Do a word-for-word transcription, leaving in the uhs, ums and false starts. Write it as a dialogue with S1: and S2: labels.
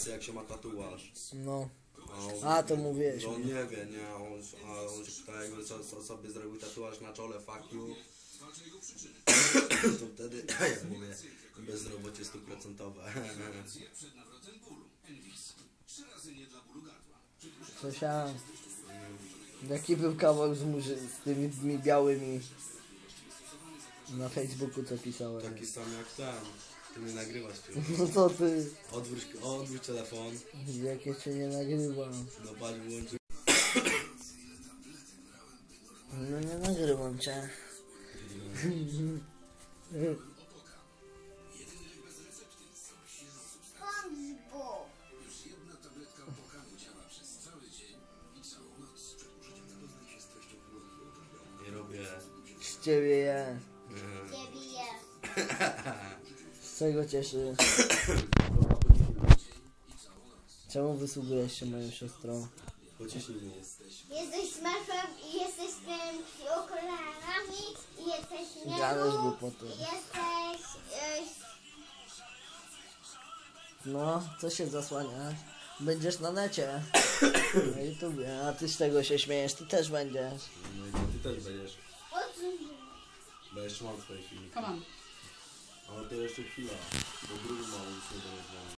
S1: klasy, jak się ma tatuaż.
S2: No.
S1: A, on,
S2: A, to mówiłeś.
S1: No on nie wie, nie? A on, a on się pyta, jakby co, co sobie zrobił tatuaż na czole, fuck you. To wtedy, jak mówię, bezrobocie stuprocentowe.
S2: Słyszałem. Jaki był kawał z, murzy, z tymi, tymi białymi na Facebooku, co pisałem.
S1: Taki sam jak ten. Ty mnie nagrywasz, ty.
S2: No co ty?
S1: Odwróć, odwróć telefon.
S2: Jak ja cię nie nagrywam.
S1: No patrz, wyłączy.
S2: No nie nagrywam cię.
S1: Nie robię.
S2: Z ciebie je.
S3: Ciebie je.
S2: Z czego cieszy? Czemu wysługujesz się moją siostrą?
S1: Pociśnij mnie.
S3: Jesteś smurfem i jesteś z tymi okularami i jesteś
S2: Gadasz
S3: niemu
S2: głupoty.
S3: i jesteś... Yy,
S2: No, co się zasłania? Będziesz na necie. Na YouTubie. A ty z tego się śmiejesz, ty też będziesz.
S1: No i to ty też będziesz.
S3: odsuń.
S1: Bo jeszcze mam twoje filmiki.
S4: Come on.
S1: Ale to jeszcze chwila. Bo drugi mały już nie będzie.